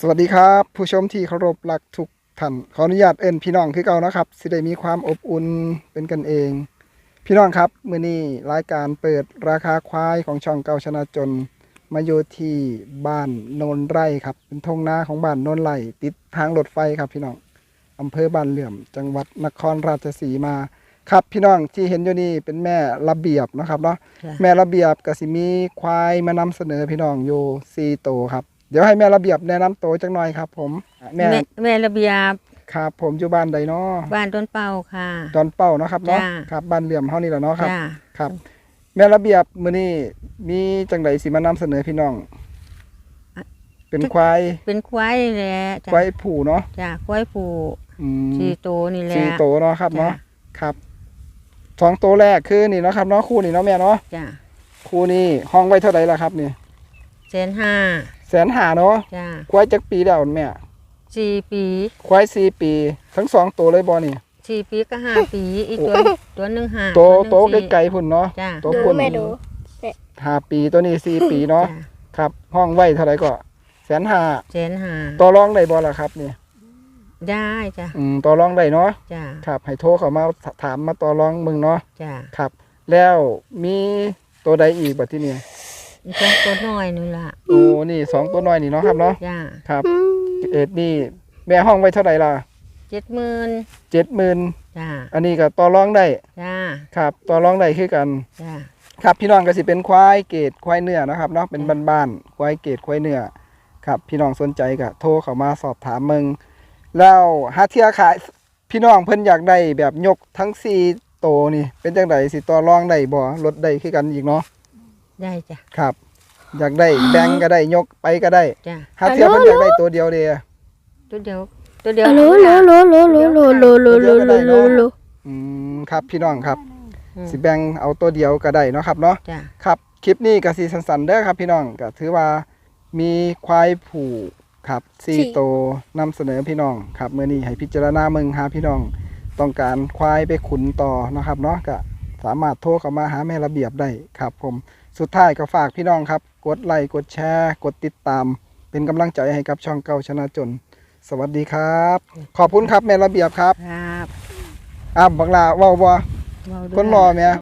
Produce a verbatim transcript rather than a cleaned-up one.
สวัสดีครับผู้ชมที่เคารพรักทุกท่านขออนุญาตเอิ้นพี่น้องคือเก่านะครับสิได้มีความอบอุ่นเป็นกันเองพี่น้องครับมื้อนี้รายการเปิดราคาควายของช่องเก่าชนะจนมาอยู่ที่บ้านโนนไร่ครับเป็นทงนาของบ้านโนนไร่ติดทางรถไฟครับพี่น้องอำเภอบ้านเหลื่อมจังหวัดนครราชสีมาครับพี่น้องที่เห็นอยู่นี่เป็นแม่ระเบียบนะครับเนาะแม่ระเบียบก็สิมีควายมานำเสนอพี่น้องอยู่สี่ตัวครับเดี๋ยวให้แม่ระเบียบแนะนำตัวจังหน่อยครับผมแม่แม่แม่ระเบียบครับผมอยู่บ้านใดเนาะบ้านต้นเป่าค่ะดอนเป้าเนาะครับเนาะจ้าครับบ้านเหลื่อมเฮานี่แหละเนาะครับจ้าครับ แม่ระเบียบมื้อนี้มีจังไดสิมานำเสนอพี่น้อง เป็นควายเป็นควายนี่แหละจ้ะควายผูเนาะจ้าควายผูอืมสี่ตัวนี่แหละสี่โตวเนาะครับจ้ะเนาะครับสองตัวแรกคือนี่เนาะครับเนาะคู่นี่เนาะแม่เนาะจ้าคู่นี้ห้องไว้เท่าไหร่ล่ะครับนี่แสนห้าแสนห้าเนาะจ้าควายจักปีแล้วแม่สี่ปีควายสี่ปี ทั้งสองตัวเลยบ่นี่สี่ปีก็ห้าปีอีกตัวตัวหนึ่งห้าโตวหนึ่งโตสี่ไกลๆพุ่นเนาะจ้าตัวพุ่นไม่ดูห้าปีตัวนี้สี่ปีเนาะจ้าครับ ห้องไว้เท่าไหร่ก็แสนห้าแสนห้าต่อรองได้บ่ล่ะครับนี่ได้จ้าอืมต่อรองได้เนาะจ้าครับให้โทรเข้ามาถามมาต่อรองมึงเนาะจ้าครับ แล้วมีตัวใดอีกบัดที่นี่อีกตัวตัวน้อยนี่ล่ะโอ้นี่สองตัวน้อยนี่เนาะครับเนาะจ้าครับเอ็ดนี่แม่ห้องไว้เท่าไหร่ล่ะเจ็ดหมื่นเจ็ดหมื่นจ้าอันนี้ก็ต่อรองได้จ้าครับต่อรองได้คือกันจ้าครับพี่น้องก็สิเป็นควายเกรดควายเนื้อนะครับเนาะเป็นบ้านๆควายเกรดควายเนื้อครับพี่น้องสนใจก็โทรเข้ามาสอบถามมึงแล้วหาเทียขายพี่น้องเพิ่นอยากได้แบบยกทั้งสี่โตวนี่เป็นจังไดสิต่อรองได้บ่ลดได้คือกันอีกเนาะได้จ้าครับ อยากได้แบ่งก็ได้ยกไปก็ได้จ้าหาเทียเพิ่นอยากได้ตัวเดียวเด้ตัวเดียวตัวเดียวโลโลโลโลโลโลโลโลโลโลโลโลอืมครับพี่น้องครับอืมสิแบ่งเอาตัวเดียวก็ได้เนาะครับเนาะจ้าครับคลิปนี้ก็สีสันๆเด้อครับพี่น้องก็ถือว่ามีควายผูครับสี่โตวนำเสนอพี่น้องครับเมื่อนี้ให้พิจารณาเมืองหาพี่น้องต้องการควายไปขุนต่อนะครับเนาะก็สามารถโทรเข้ามาหาแม่ระเบียบได้ครับผมสุดท้ายก็ฝากพี่น้องครับกดไลค์กดแชร์กดติดตาม เป็นกำลังใจให้กับช่องเก่าชนะจน สวัสดีครับ ขอบคุณครับแม่ระเบียบครับครับอ้าวบังลาเว้าบ่เว้าด้วยคนรอแม่